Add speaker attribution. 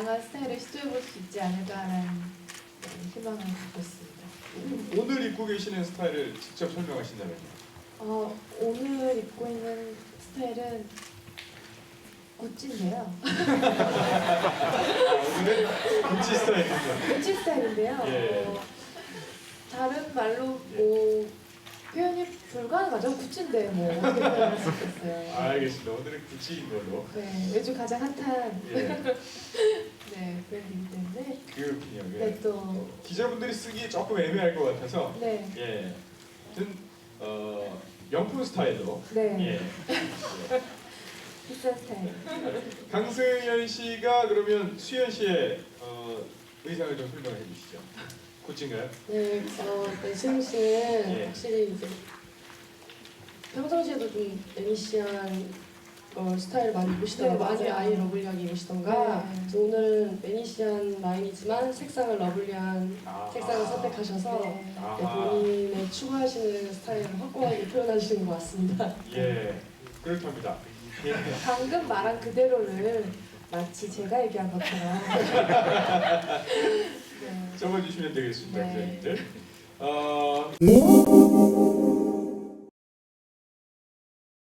Speaker 1: 다양한 스타일을 시도해볼 수 있지 않을까라는 희망을 갖고 있습니다.
Speaker 2: 오늘 입고 계시는 스타일을 직접 설명하신다면요?
Speaker 1: 오늘 입고 있는 스타일은 구찌인데요.
Speaker 2: 오늘은 구찌 스타일이군요.
Speaker 1: 구찌 스타일인데요.
Speaker 2: 예.
Speaker 1: 다른 말로 뭐 표현이 불가능하죠. 구찌인데 뭐 어떻게 표현할 수 있겠어요.
Speaker 2: 알겠습니다. 오늘은 구찌인 걸로.
Speaker 1: 네, 요즘 가장 핫한
Speaker 2: 예.
Speaker 1: 네, 브랜드이기 때문에
Speaker 2: 그렇군요. 예.
Speaker 1: 네, 또
Speaker 2: 기자분들이 쓰기 조금 애매할 것 같아서
Speaker 1: 네,
Speaker 2: 예. 아무튼 명품 스타일로
Speaker 1: 네,
Speaker 2: 예.
Speaker 1: 비싼 스타일.
Speaker 2: 강승현 씨가 그러면 수현 씨의 의상을 좀 설명해 주시죠. 구찌인가요?
Speaker 3: 네, 수영 씨는
Speaker 2: 예.
Speaker 3: 확실히 이제 평상시에도 좀 매니시한 스타일을 많이 입으시다가
Speaker 1: 네,
Speaker 3: 많이
Speaker 1: 맞아요.
Speaker 3: 아이 러블리하게 입으시던가
Speaker 1: 네.
Speaker 3: 그래서 오늘은 매니시한 라인이지만 색상을 러블리한
Speaker 2: 아.
Speaker 3: 색상을 선택하셔서
Speaker 1: 네.
Speaker 2: 아하.
Speaker 3: 본인의 추구하시는 스타일을 확고하게 표현하시는 것 같습니다.
Speaker 2: 예. 그렇답니다. 예.
Speaker 1: 방금 말한 그대로를 마치 제가 얘기한 것처럼 네.
Speaker 2: 적어주시면 되겠습니다,
Speaker 1: 네.
Speaker 2: 기자님들.